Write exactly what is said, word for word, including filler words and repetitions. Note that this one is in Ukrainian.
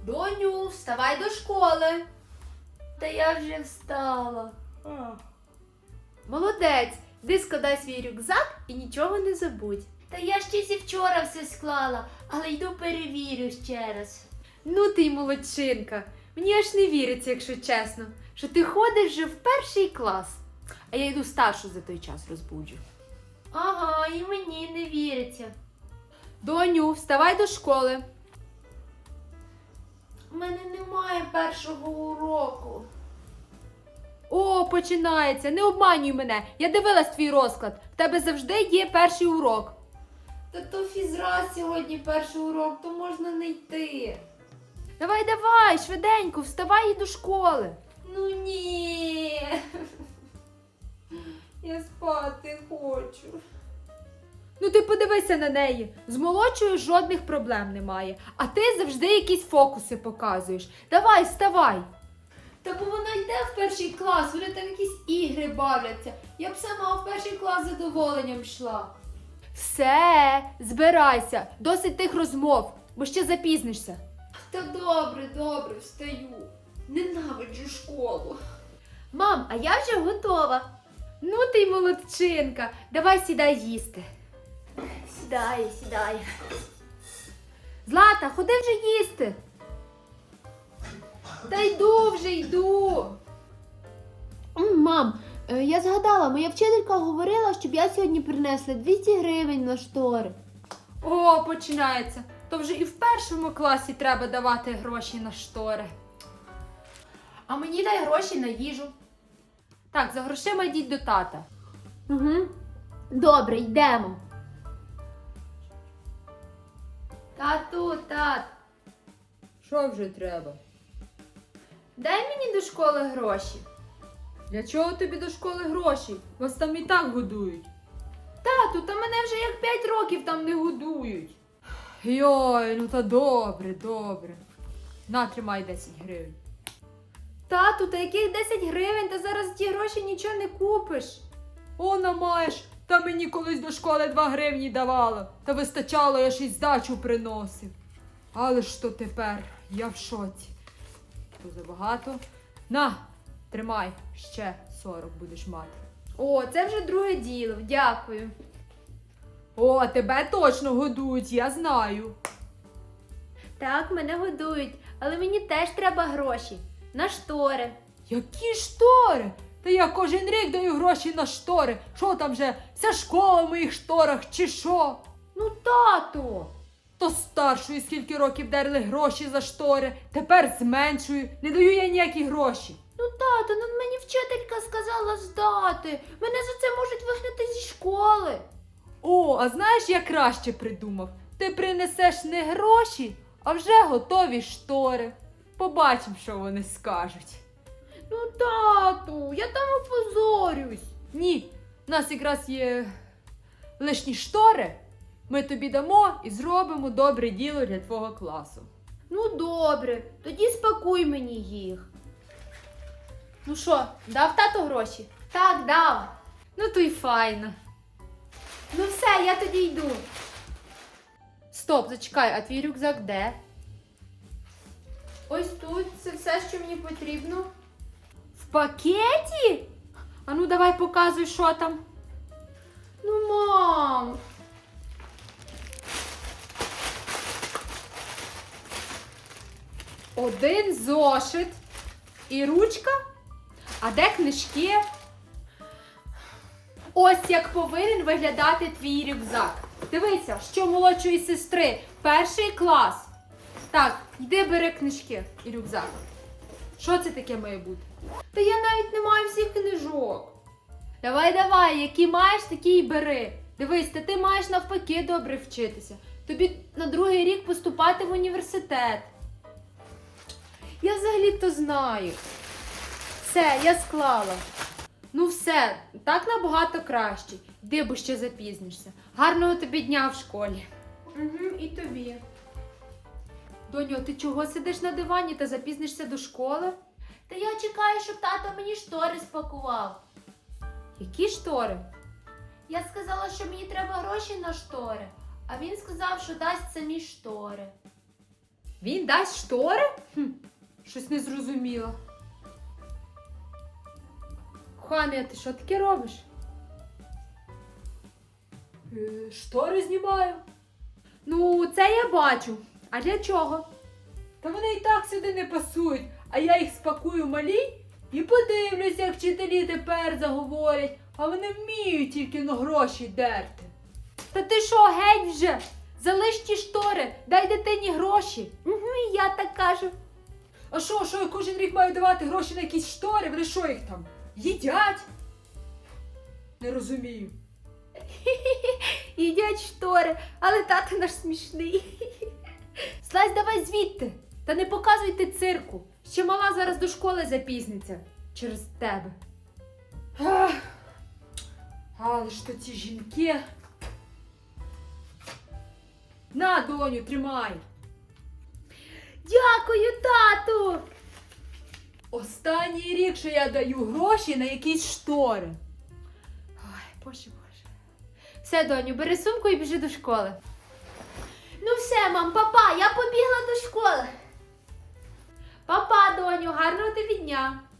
Доню, вставай до школи. Та я вже встала. Молодець, йди складай свій рюкзак і нічого не забудь. Та я ще зі вчора все склала, але йду перевірю ще раз. Ну ти й молодчинка. Мені аж не віриться, якщо чесно, що ти ходиш вже в перший клас. А я йду старшу за той час розбуджу. Ага, і мені не віриться. Доню, вставай до школи. У мене немає першого уроку. О, починається. Не обманюй мене. Я дивилась твій розклад. В тебе завжди є перший урок. Та то фізра сьогодні перший урок, то можна не йти. Давай, давай, швиденько, вставай і до школи. Ну ні. Я спати хочу. Ну ти подивися на неї. З молодшою жодних проблем немає. А ти завжди якісь фокуси показуєш. Давай, вставай. Та бо вона йде в перший клас, вони там якісь ігри бавляться. Я б сама в перший клас з задоволенням йшла. Все, збирайся, досить тих розмов, бо ще запізнишся. Та добре, добре, встаю. Ненавиджу школу. Мам, а я вже готова. Ну ти й молодчинка, давай сідай їсти. Сідаю, сідаю. Злата, ходи вже їсти. Та йду вже, йду. Мам, я згадала, моя вчителька говорила, щоб я сьогодні принесла двісті гривень на штори. О, починається. То вже і в першому класі треба давати гроші на штори. А мені дай гроші на їжу. Так, за грошима йдіть до тата. Угу. Добре, йдемо. Тату, тат. Що вже треба? Дай мені до школи гроші. Для чого тобі до школи гроші? Вас там і так годують. Тату, та мене вже як п'ять років там не годують. Йой, ну та добре, добре. На, тримай десять гривень. Тату, та яких десять гривень? Та зараз ті гроші нічого не купиш. Она маєш, та мені колись до школи два гривні давала. Та вистачало, я ж і здачу приносив. Але ж то тепер, я в шоці. То забагато. На, тримай, ще сорок будеш мати. О, це вже друге діло, дякую. О, тебе точно годують, я знаю. Так, мене годують, але мені теж треба гроші. На штори. Які штори? Та я кожен рік даю гроші на штори. Що там вже, вся школа в моїх шторах, чи що? Ну, тату. То старшої скільки років дерли гроші за штори, тепер зменшую, не даю я ніякі гроші. Ну, тату, ну мені вчителька сказала здати. Мене за це можуть вигнати зі школи. О, а знаєш, я краще придумав. Ти принесеш не гроші, а вже готові штори. Побачимо, що вони скажуть. Ну, тату, я там опозорюсь. Ні, в нас якраз є лишні штори. Ми тобі дамо і зробимо добре діло для твого класу. Ну, добре, тоді спакуй мені їх. Ну що, дав тато гроші? Так, дав. Ну, то й файно. Ну все, я тоді йду. Стоп, зачекай, а твій рюкзак де? Ось тут, це все, що мені потрібно. В пакеті? А ну давай показуй, що там. Ну, мам. Один зошит і ручка. А де книжки? Ось як повинен виглядати твій рюкзак. Дивися, що молодшої сестри. Перший клас. Так, йди бери книжки і рюкзак. Що це таке має бути? Та я навіть не маю всіх книжок. Давай, давай, які маєш, такі й бери. Дивись, та ти маєш навпаки добре вчитися. Тобі на другий рік поступати в університет. Я взагалі-то знаю. Все, я склала. Ну все, так набагато краще. Йди, бо ще запізнишся. Гарного тобі дня в школі. Угу, і тобі. Доню, ти чого сидиш на дивані та запізнишся до школи? Та я чекаю, щоб тато мені штори спакував. Які штори? Я сказала, що мені треба гроші на штори, а він сказав, що дасть самі штори. Він дасть штори? Хм, щось не зрозуміла. Коханий, а ти що таке робиш? Е, штори знімаю. Ну, це я бачу. А для чого? Та вони і так сюди не пасують, а я їх спакую малі і подивлюсь, як вчителі тепер заговорять, а вони вміють тільки на гроші дерти. Та ти що, геть вже? Залиш ті штори, дай дитині гроші. Угу, і я так кажу. А що, що я кожен рік маю давати гроші на якісь штори? Вони що їх там? Їдять? Не розумію. Їдять штори, але тато наш смішний. Слазь, давай звідти. Та не показуйте цирку. Ще мала зараз до школи запізниться. Через тебе. Ах, але ж то ці жінки. На, доню, тримай. Дякую, тату! Останній рік, що я даю гроші на якісь штори. Ой, боже, боже. Все, доню, бери сумку і біжи до школи. Ну все, мам, папа, я побігла до школи. Папа, доню, гарного тобі дня.